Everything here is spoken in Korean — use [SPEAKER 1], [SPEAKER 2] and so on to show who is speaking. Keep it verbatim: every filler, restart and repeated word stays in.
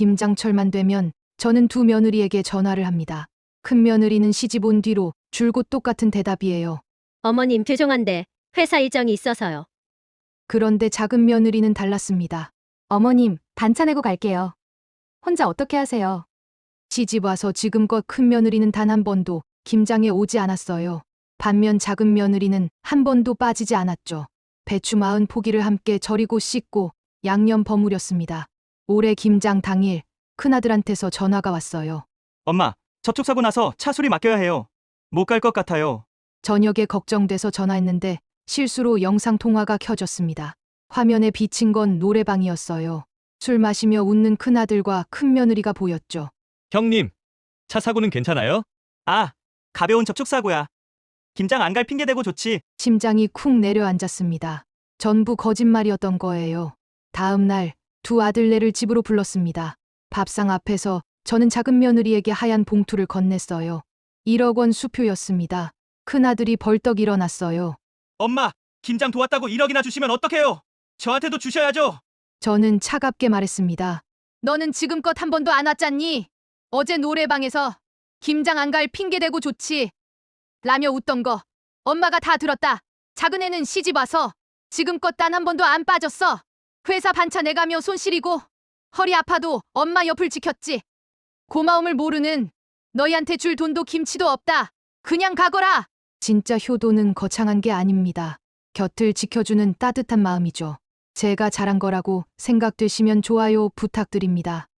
[SPEAKER 1] 김장철만 되면 저는 두 며느리에게 전화를 합니다. 큰 며느리는 시집 온 뒤로 줄곧 똑같은 대답이에요.
[SPEAKER 2] 어머님 죄송한데 회사 일정이 있어서요.
[SPEAKER 1] 그런데 작은 며느리는 달랐습니다. 어머님, 반차 내고 갈게요. 혼자 어떻게 하세요? 시집 와서 지금껏 큰 며느리는 단 한 번도 김장에 오지 않았어요. 반면 작은 며느리는 한 번도 빠지지 않았죠. 배추 마흔 포기를 함께 절이고 씻고 양념 버무렸습니다. 올해 김장 당일 큰아들한테서 전화가 왔어요.
[SPEAKER 3] 엄마, 접촉 사고 나서 차 수리 맡겨야 해요. 못 갈 것 같아요.
[SPEAKER 1] 저녁에 걱정돼서 전화했는데 실수로 영상 통화가 켜졌습니다. 화면에 비친 건 노래방이었어요. 술 마시며 웃는 큰아들과 큰며느리가 보였죠.
[SPEAKER 4] 형님, 차 사고는 괜찮아요?
[SPEAKER 3] 아, 가벼운 접촉 사고야. 김장 안 갈 핑계 대고 좋지.
[SPEAKER 1] 심장이 쿵 내려앉았습니다. 전부 거짓말이었던 거예요. 다음 날 두 아들네를 집으로 불렀습니다. 밥상 앞에서 저는 작은 며느리에게 하얀 봉투를 건넸어요. 일억 원 수표였습니다. 큰아들이 벌떡 일어났어요.
[SPEAKER 3] 엄마, 김장 도왔다고 일억이나 주시면 어떡해요? 저한테도 주셔야죠.
[SPEAKER 1] 저는 차갑게 말했습니다. 너는 지금껏 한 번도 안 왔잖니? 어제 노래방에서 김장 안 갈 핑계 대고 좋지. 라며 웃던 거 엄마가 다 들었다. 작은 애는 시집 와서 지금껏 단 한 번도 안 빠졌어. 회사 반차 내가며 손 시리고 허리 아파도 엄마 옆을 지켰지. 고마움을 모르는 너희한테 줄 돈도 김치도 없다. 그냥 가거라. 진짜 효도는 거창한 게 아닙니다. 곁을 지켜주는 따뜻한 마음이죠. 제가 잘한 거라고 생각되시면 좋아요 부탁드립니다.